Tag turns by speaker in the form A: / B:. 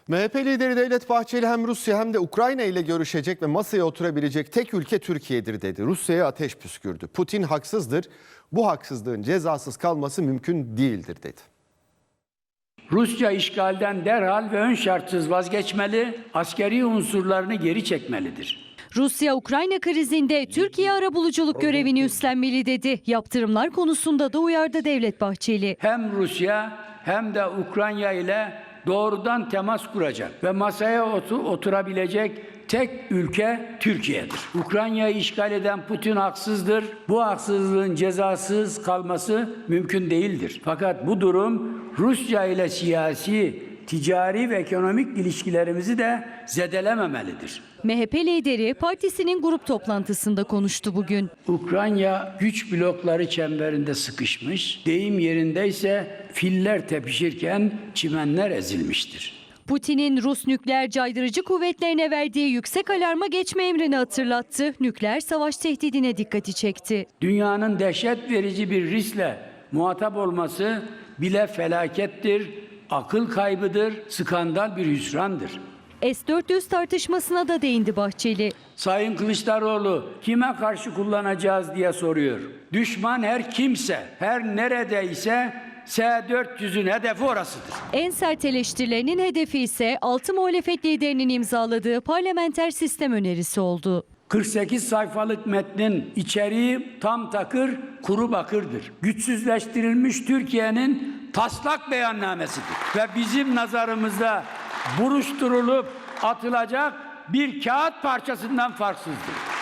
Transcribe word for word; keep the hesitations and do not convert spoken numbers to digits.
A: M H P lideri Devlet Bahçeli hem Rusya hem de Ukrayna ile görüşecek ve masaya oturabilecek tek ülke Türkiye'dir dedi. Rusya'ya ateş püskürdü. Putin haksızdır. Bu haksızlığın cezasız kalması mümkün değildir dedi.
B: Rusya işgalden derhal ve ön şartsız vazgeçmeli, askeri unsurlarını geri çekmelidir.
C: Rusya Ukrayna krizinde Türkiye arabuluculuk görevini üstlenmeli dedi. Yaptırımlar konusunda da uyardı Devlet Bahçeli.
B: Hem Rusya hem de Ukrayna ile doğrudan temas kuracak ve masaya otur, oturabilecek tek ülke Türkiye'dir. Ukrayna'yı işgal eden Putin haksızdır. Bu haksızlığın cezasız kalması mümkün değildir. Fakat bu durum Rusya ile siyasi, ticari ve ekonomik ilişkilerimizi de zedelememelidir.
C: M H P lideri partisinin grup toplantısında konuştu bugün.
B: Ukrayna güç blokları çemberinde sıkışmış, deyim yerindeyse filler tepişirken çimenler ezilmiştir.
C: Putin'in Rus nükleer caydırıcı kuvvetlerine verdiği yüksek alarma geçme emrini hatırlattı. Nükleer savaş tehdidine dikkati çekti.
B: Dünyanın dehşet verici bir riskle muhatap olması bile felakettir, akıl kaybıdır, skandal bir hüsrandır.
C: S dört yüz tartışmasına da değindi Bahçeli.
B: Sayın Kılıçdaroğlu kime karşı kullanacağız diye soruyor. Düşman her kimse, her neredeyse S dört yüzün hedefi orasıdır.
C: En sert eleştirilerinin hedefi ise altı muhalefet liderinin imzaladığı parlamenter sistem önerisi oldu.
B: kırk sekiz sayfalık metnin içeriği tam takır, kuru bakırdır. Güçsüzleştirilmiş Türkiye'nin taslak beyannamesidir. Ve bizim nazarımızda buruşturulup atılacak bir kağıt parçasından farksızdır.